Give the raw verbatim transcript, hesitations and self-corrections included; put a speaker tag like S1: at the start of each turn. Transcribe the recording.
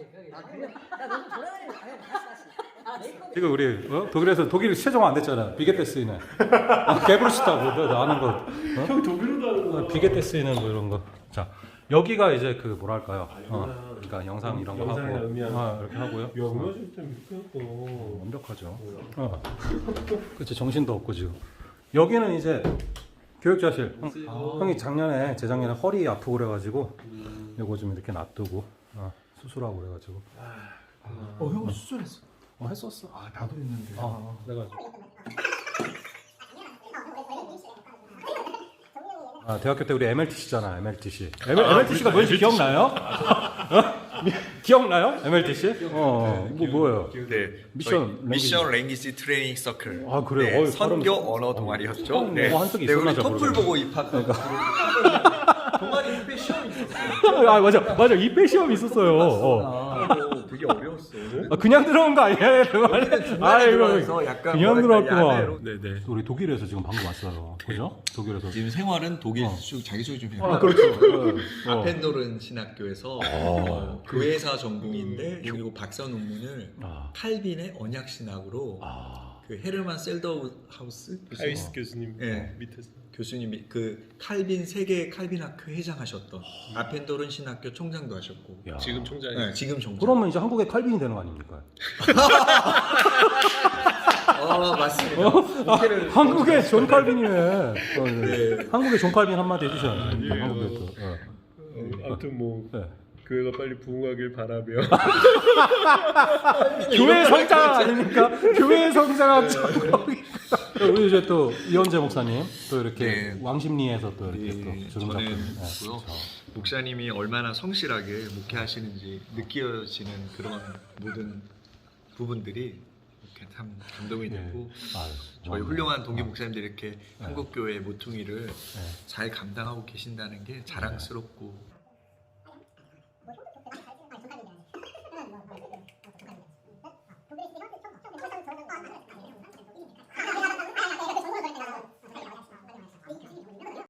S1: 아 그래? 나 너무 돌아다니는 아니 다시 다시. 아 메이크업.
S2: 지금 우리 어? 독일에서 독일 최종 안 됐잖아. 비게테스인은 아, 개브루시타고 너 아는 거. 어?
S3: 형 독일어도 하는
S2: 어,
S3: 거.
S2: 비게테스인은 뭐 이런 거. 자 여기가 이제 그 뭐랄까요? 어, 그러니까 영상 이런 거
S3: 영상이나
S2: 하고
S3: 음향.
S2: 아, 이렇게 하고요.
S3: 영어 진짜 미끄럽고.
S2: 완벽하죠. 어. 그렇지 정신도 없고 지금. 여기는 이제 교육자실. 형,
S3: 아.
S2: 형이 작년에 재작년에 허리 아프고 그래가지고 요거 좀 이렇게 놔두고 어, 수술하고 그래가지고.
S3: 어, 형 수술했어.
S2: 어 했었어.
S3: 아, 나도 했는데.
S2: 어, 내가. 아 대학교 때 우리 엠엘티씨잖아 엠엘티씨. 엠엘티씨가 뭔지 기억나요? 어? 기억나요? 엠엘티씨? 어, 뭐 뭐예요?
S4: 네,
S2: 미션
S4: 저희
S2: 랭귀지.
S4: 미션 랭귀지 트레이닝 서클.
S2: 아, 그래요?
S4: 네,
S2: 어이,
S4: 선교
S2: 발음이-
S4: 언어 동아리였죠.
S2: 어,
S4: 네.
S2: 뭐 한석이
S4: 네,
S2: 있었나
S4: 우리
S2: 잘
S4: 토플
S2: 모르겠네.
S4: 보고 입학한 동아리 후배 시험이 있었어요.
S2: 아 맞아 맞아 이페 시험이 있었어요. 어.
S4: 아, 되게 어려웠어.
S2: 아, 그냥 들어온 거 아니에요? 아
S4: 들어와서 약간
S2: 그냥
S4: 뭐랄까,
S2: 들어왔구만.
S4: 야매로.
S3: 네네.
S2: 우리 독일에서 지금 방금 왔어요. 그죠? 독일에서.
S5: 지금 생활은 독일 수 자기소개 좀 해요.
S2: 아 그렇죠. 어.
S4: 아펜도른 신학교에서 어, 교회사 전공인데 그리고 박사 논문을
S2: 아.
S4: 칼빈의 언약 신학으로
S2: 아.
S4: 그 헤르만 셀더하우스
S3: 하이스 교수님
S4: 네.
S3: 밑에서.
S4: 교수님이 그 칼빈 세계 칼빈 학교 회장하셨던 아펜도른 신학교 총장도 하셨고
S2: 야.
S3: 지금 총장이.
S4: 네, 지금 총장.
S2: 그러면 이제 한국의 칼빈이 되는 거 아닙니까?
S4: 어 맞습니다.
S2: 아, 한국의 존 칼빈이네. 어, 네.
S4: 네.
S2: 한국의 존 칼빈 한마디 해주셔야 돼요.
S3: 아니에요.
S2: 한국의 또. 어.
S3: 어, 아무튼 뭐
S2: 네.
S3: 교회가 빨리 부흥하길 바라며.
S2: 교회 성장 아닙니까? 교회 성장한 척. 우리 이제 또 이현재 목사님 또 이렇게
S4: 네.
S2: 왕십리에서 또 이렇게
S4: 네,
S2: 또 주름 잡고.
S4: 저는
S2: 네.
S4: 고요. 목사님이 얼마나 성실하게 목회하시는지 느껴지는 그런 모든 부분들이 이렇게 참 감동이
S2: 네.
S4: 되고
S2: 아유,
S4: 저희
S2: 뭐,
S4: 훌륭한 동기 목사님들이 이렇게 한국 교회의 모퉁이를
S2: 네.
S4: 잘 감당하고 계신다는 게 자랑스럽고